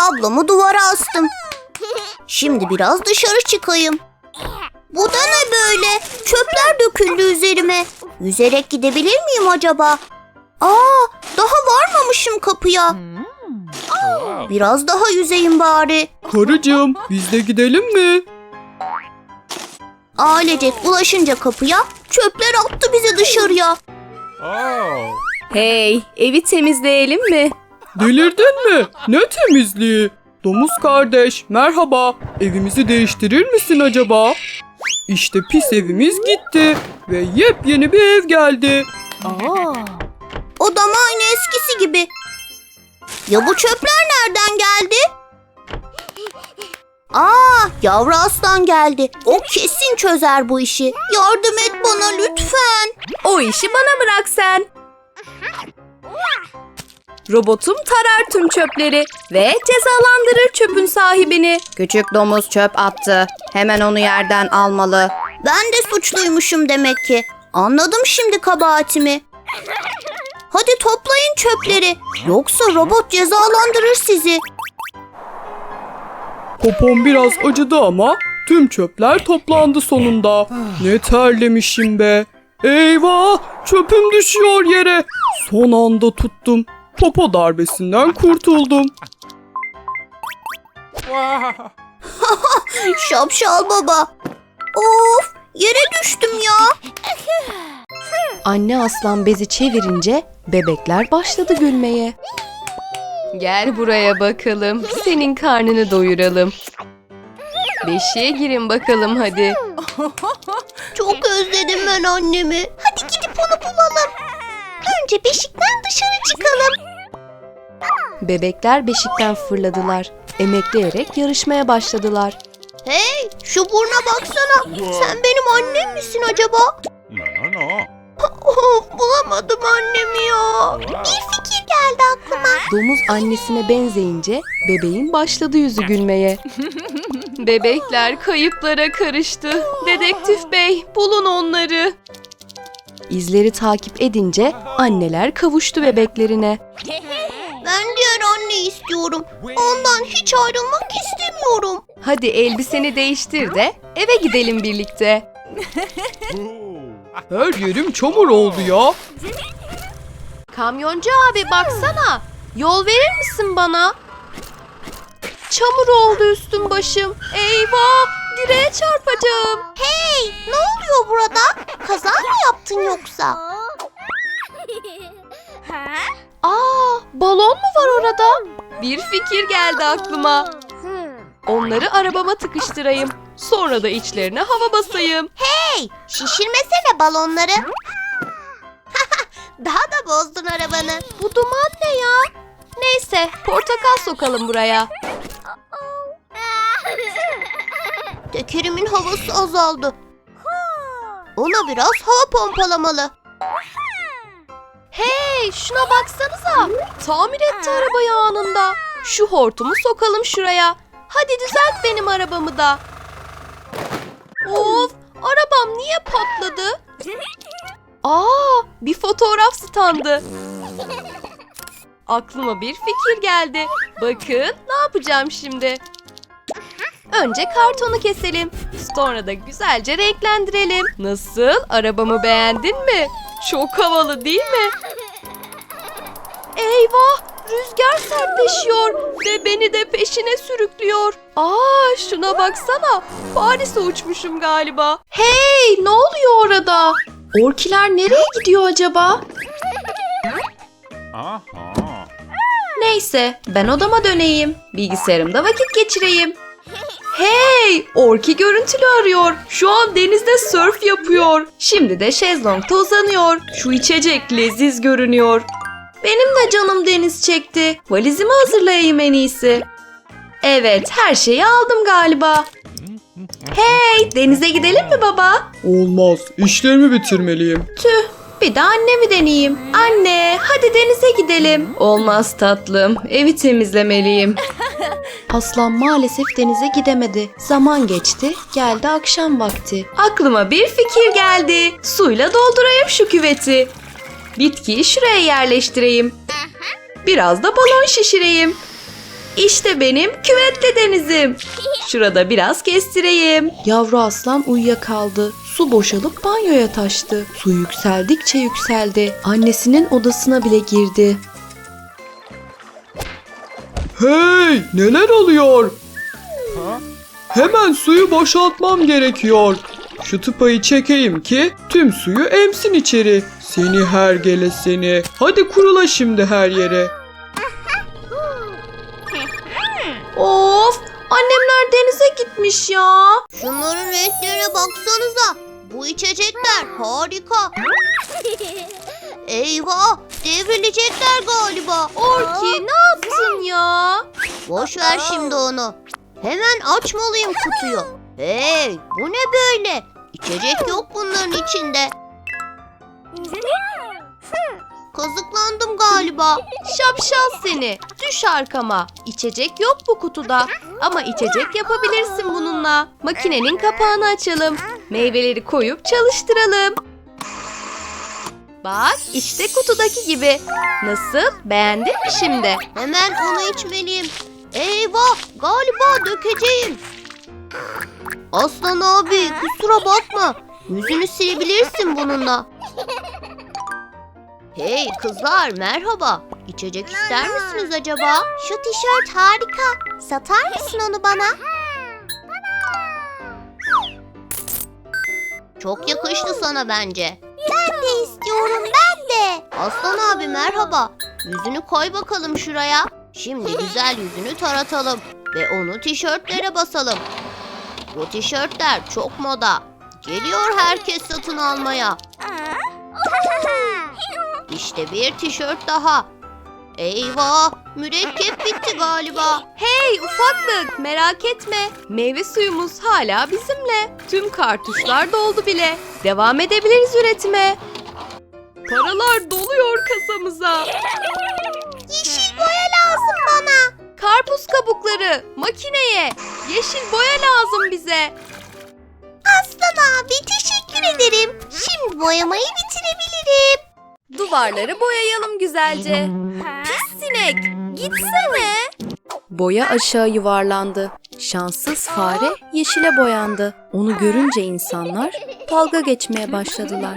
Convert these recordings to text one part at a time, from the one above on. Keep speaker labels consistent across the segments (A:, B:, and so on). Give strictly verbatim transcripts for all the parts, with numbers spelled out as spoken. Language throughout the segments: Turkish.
A: Kablomu duvara astım. Şimdi biraz dışarı çıkayım. Bu da ne böyle? Çöpler döküldü üzerime. Yüzerek gidebilir miyim acaba? Aa, daha varmamışım kapıya. Biraz daha yüzeyim bari.
B: Karıcığım, biz de gidelim mi?
A: Ailecek ulaşınca kapıya, çöpler attı bizi dışarıya.
C: Hey, evi temizleyelim mi?
B: Delirdin mi? Ne temizliği? Domuz kardeş, merhaba. Evimizi değiştirir misin acaba? İşte pis evimiz gitti ve yepyeni bir ev geldi.
A: Odam aynı eskisi gibi. Ya bu çöpler nereden geldi? Aa, yavru aslan geldi. O kesin çözer bu işi. Yardım et bana lütfen.
C: O işi bana bırak sen. Robotum tarar tüm çöpleri ve cezalandırır çöpün sahibini. Küçük domuz çöp attı. Hemen onu yerden almalı.
A: Ben de suçluymuşum demek ki. Anladım şimdi kabahatimi. Hadi toplayın çöpleri. Yoksa robot cezalandırır sizi.
B: Popom biraz acıdı ama tüm çöpler toplandı sonunda. Ne terlemişim be. Eyvah, çöpüm düşüyor yere. Son anda tuttum. Popo darbesinden kurtuldum.
A: Şapşal baba. Of, yere düştüm ya.
C: Anne aslan bezi çevirince bebekler başladı gülmeye. Gel buraya bakalım. Senin karnını doyuralım. Beşiğe girin bakalım hadi.
A: Çok özledim ben annemi. Hadi gidip onu bulalım. Önce beşikten dışarı çıkalım.
C: Bebekler beşikten fırladılar. Emekleyerek yarışmaya başladılar.
A: Hey, şu burna baksana. Sen benim annem misin acaba?
D: No, no, no.
A: Of, bulamadım annemi ya. Bir fikir geldi aklıma.
C: Domuz annesine benzeyince bebeğin başladı yüzü gülmeye. Bebekler kayıplara karıştı. Dedektif bey, bulun onları. İzleri takip edince anneler kavuştu bebeklerine.
A: Ben diğer anneyi istiyorum. Ondan hiç ayrılmak istemiyorum.
C: Hadi elbiseni değiştir de eve gidelim birlikte.
B: Her yerim çamur oldu ya.
C: Kamyoncu abi baksana. Yol verir misin bana? Çamur oldu üstüm başım. Eyvah! Direğe çarpacağım.
A: Hey, ne oluyor burada? Kaza mı yaptın yoksa?
C: Aa, balon mu var orada? Bir fikir geldi aklıma. Onları arabama tıkıştırayım. Sonra da içlerine hava basayım.
A: Hey, şişirmesene balonları. Daha da bozdun arabanı.
C: Bu duman ne ya? Neyse, portakal sokalım buraya.
A: Tekerimin havası azaldı. Ona biraz hava pompalamalı.
C: Hey, şuna baksanıza. Tamir etti arabayı anında. Şu hortumu sokalım şuraya. Hadi düzelt benim arabamı da. Of, arabam niye patladı? Aa, bir fotoğraf standı. Aklıma bir fikir geldi. Bakın, ne yapacağım şimdi? Önce kartonu keselim. Sonra da güzelce renklendirelim. Nasıl? Arabamı beğendin mi? Çok havalı değil mi? Eyvah! Rüzgar sertleşiyor ve beni de peşine sürüklüyor. Aa, şuna baksana. Paris'e uçmuşum galiba. Hey, ne oluyor orada? Orkiler nereye gidiyor acaba?
D: Aha.
C: Neyse, ben odama döneyim. Bilgisayarımda vakit geçireyim. Hey, Orki görüntülü arıyor. Şu an denizde sörf yapıyor. Şimdi de şezlongda uzanıyor. Şu içecek leziz görünüyor. Benim de canım deniz çekti. Valizimi hazırlayayım en iyisi. Evet, her şeyi aldım galiba. Hey, denize gidelim mi baba?
B: Olmaz, işlerimi bitirmeliyim.
C: Tüh, bir de annemi deneyeyim. Anne, hadi denize gidelim. Olmaz tatlım, evi temizlemeliyim. Aslan maalesef denize gidemedi. Zaman geçti, geldi akşam vakti. Aklıma bir fikir geldi. Suyla doldurayım şu küveti. Bitkiyi şuraya yerleştireyim. Biraz da balon şişireyim. İşte benim küvetli denizim. Şurada biraz kestireyim. Yavru aslan uyuyakaldı. Su boşalıp banyoya taştı. Su yükseldikçe yükseldi. Annesinin odasına bile girdi.
B: Hey, neler oluyor? Hemen suyu boşaltmam gerekiyor. Şu tıpayı çekeyim ki tüm suyu emsin içeri. Seni hergele seni. Hadi kurula şimdi her yere.
C: Of! Annemler denize gitmiş ya.
A: Şunların renklerine baksanıza. Bu içecekler harika. Eyvah, devrilecekler galiba.
C: Orki ne yaptın ya?
A: Boş ver şimdi onu. Hemen açmalıyım kutuyu. Hey, bu ne böyle? İçecek yok bunların içinde. Kazıklandım galiba.
C: Şapşal seni. Düş arkama. İçecek yok bu kutuda. Ama içecek yapabilirsin bununla. Makinenin kapağını açalım. Meyveleri koyup çalıştıralım. Bak işte kutudaki gibi. Nasıl? Beğendin mi şimdi?
A: Hemen onu içmeliyim. Eyvah, galiba dökeceğim. Aslan abi, kusura bakma. Yüzünü silebilirsin bununla. Hey kızlar, merhaba. İçecek ister misiniz acaba? Şu tişört harika. Satar mısın onu bana? Çok yakıştı sana bence. Ben de istiyorum, ben de. Aslan abi merhaba. Yüzünü koy bakalım şuraya. Şimdi güzel yüzünü taratalım ve onu tişörtlere basalım. Bu tişörtler çok moda. Geliyor herkes satın almaya. İşte bir tişört daha. Eyvah, mürekkep bitti galiba.
C: Hey ufaklık merak etme. Meyve suyumuz hala bizimle. Tüm kartuşlar doldu bile. Devam edebiliriz üretime. Paralar doluyor kasamıza.
A: Yeşil boya lazım bana.
C: Karpuz kabukları makineye. Yeşil boya lazım bize.
A: Aslan abi teşekkür ederim. Şimdi boyamayı bitirebilirim.
C: Duvarları boyayalım güzelce. Pis sinek, gitsene. Boya aşağı yuvarlandı. Şanssız fare yeşile boyandı. Onu görünce insanlar dalga geçmeye başladılar.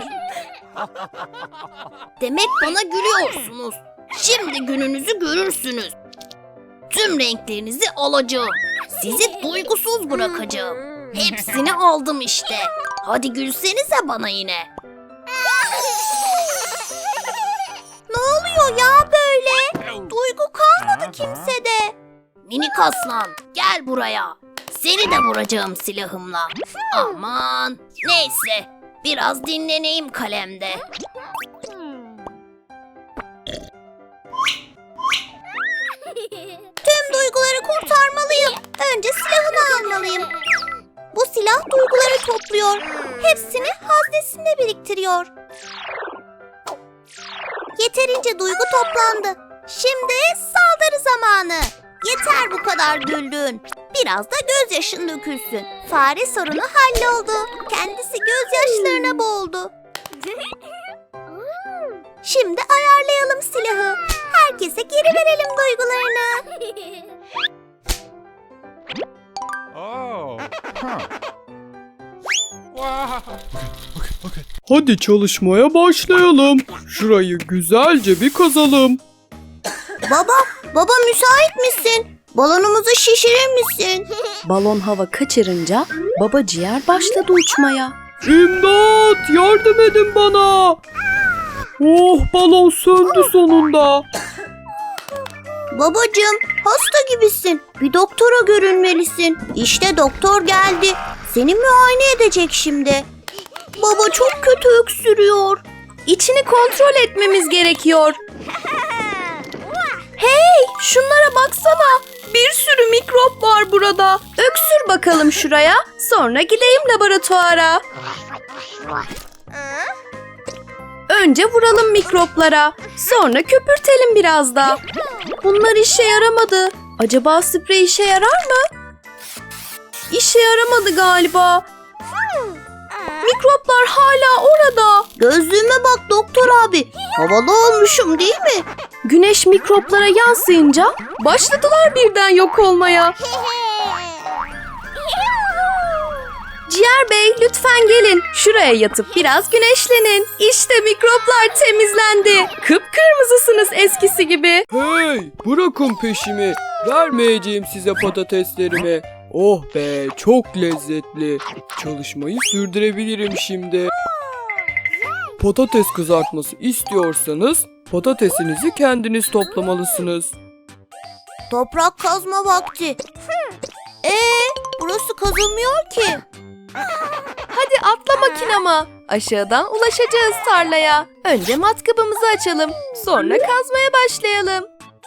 A: Demek bana gülüyorsunuz. Şimdi gününüzü görürsünüz. Tüm renklerinizi alacağım. Sizi duygusuz bırakacağım. Hepsini aldım işte. Hadi gülsenize bana yine. Ne oluyor ya böyle? Duygu kalmadı kimsede. Minik aslan gel buraya. Seni de vuracağım silahımla. Aman neyse biraz dinleneyim kalemde. Tüm duyguları kurtarmalıyım. Önce silahını almalıyım. Bu silah duyguları topluyor. Hepsini haznesinde biriktiriyor. Yeterince duygu toplandı. Şimdi saldırı zamanı. Yeter bu kadar güldün. Biraz da gözyaşın dökülsün. Fare sorunu halloldu. Kendisi gözyaşlarına boğuldu. Şimdi ayarlayalım silahı. Herkese geri verelim duygularını.
D: Oh. Huh. Wow.
B: Hadi çalışmaya başlayalım. Şurayı güzelce bir kazalım.
A: Baba, baba müsait misin? Balonumuzu şişirir misin?
C: Balon hava kaçırınca baba ciğer başladı uçmaya.
B: İmdat! Yardım edin bana! Oh, balon söndü sonunda.
A: Babacığım, hasta gibisin. Bir doktora görünmelisin. İşte doktor geldi. Seni muayene edecek şimdi. Baba çok kötü öksürüyor.
C: İçini kontrol etmemiz gerekiyor. Hey, şunlara baksana. Bir sürü mikrop var burada. Öksür bakalım şuraya. Sonra gideyim laboratuvara. Önce vuralım mikroplara. Sonra köpürtelim biraz da. Bunlar işe yaramadı. Acaba sprey işe yarar mı? İşe yaramadı galiba. Mikroplar hala orada.
A: Gözlüğüme bak doktor abi. Havalı olmuşum değil mi?
C: Güneş mikroplara yansıyınca başladılar birden yok olmaya. Ciğer Bey lütfen gelin. Şuraya yatıp biraz güneşlenin. İşte mikroplar temizlendi. Kıpkırmızısınız eskisi gibi.
B: Hey, bırakın peşimi. Vermeyeceğim size patateslerimi. Oh be, çok lezzetli. Çalışmayı sürdürebilirim şimdi. Patates kızartması istiyorsanız patatesinizi kendiniz toplamalısınız.
A: Toprak kazma vakti. Ee, burası kazılmıyor ki.
C: Hadi atla makinama. Aşağıdan ulaşacağız tarlaya. Önce matkabımızı açalım. Sonra kazmaya başlayalım.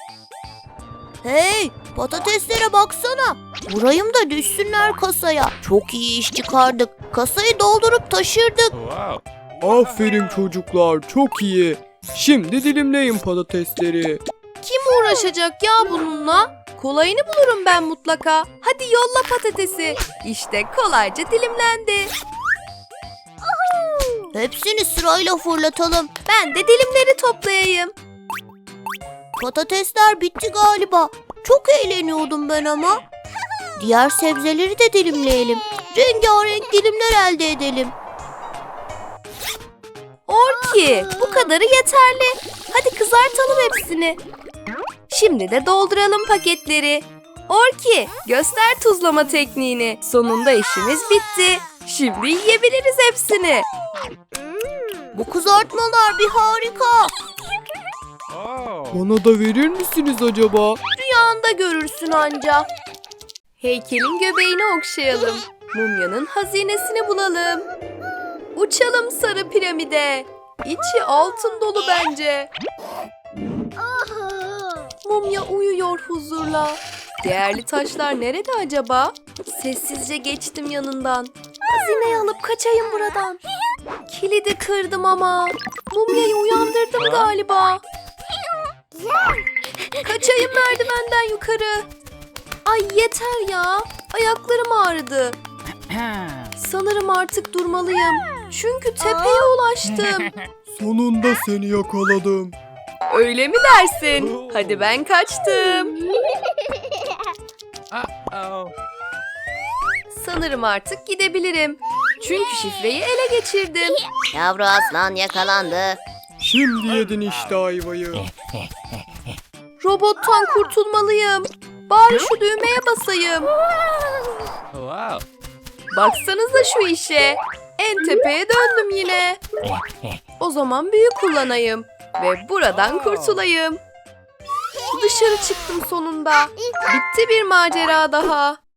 A: Hey, patateslere baksana. Vurayım da düşsünler kasaya. Çok iyi iş çıkardık. Kasayı doldurup taşırdık.
D: Wow.
B: Aferin çocuklar, çok iyi. Şimdi dilimleyin patatesleri.
C: Kim uğraşacak ya bununla? Kolayını bulurum ben mutlaka. Hadi yolla patatesi. İşte kolayca dilimlendi.
A: Hepsini sırayla fırlatalım.
C: Ben de dilimleri toplayayım.
A: Patatesler bitti galiba. Çok eğleniyordum ben ama. Diğer sebzeleri de dilimleyelim. Rengarenk dilimler elde edelim.
C: Orki, bu kadarı yeterli. Hadi kızartalım hepsini. Şimdi de dolduralım paketleri. Orki, göster tuzlama tekniğini. Sonunda işimiz bitti. Şimdi yiyebiliriz hepsini.
A: Bu kızartmalar bir harika.
D: Oh.
B: Bana da verir misiniz acaba?
C: Rüyanda görürsün anca. Heykelin göbeğini okşayalım. Mumyanın hazinesini bulalım. Uçalım sarı piramide. İçi altın dolu bence. Mumya uyuyor huzurla. Değerli taşlar nerede acaba? Sessizce geçtim yanından. Hazineyi alıp kaçayım buradan. Kilidi kırdım ama. Mumyayı uyandırdım galiba. Kaçayım merdivenden yukarı. Ay yeter ya. Ayaklarım ağrıdı. Sanırım artık durmalıyım. Çünkü tepeye ulaştım.
B: Sonunda seni yakaladım.
C: Öyle mi dersin? Hadi ben kaçtım.
D: Uh-oh.
C: Sanırım artık gidebilirim. Çünkü şifreyi ele geçirdim.
A: Yavru aslan yakalandı.
B: Şimdi yedin işte ayvayı.
C: Robottan kurtulmalıyım. Bari şu düğmeye basayım.
D: Wow.
C: Baksanıza şu işe. En tepeye döndüm yine. O zaman büyü kullanayım. Ve buradan kurtulayım. Dışarı çıktım sonunda. Bitti bir macera daha.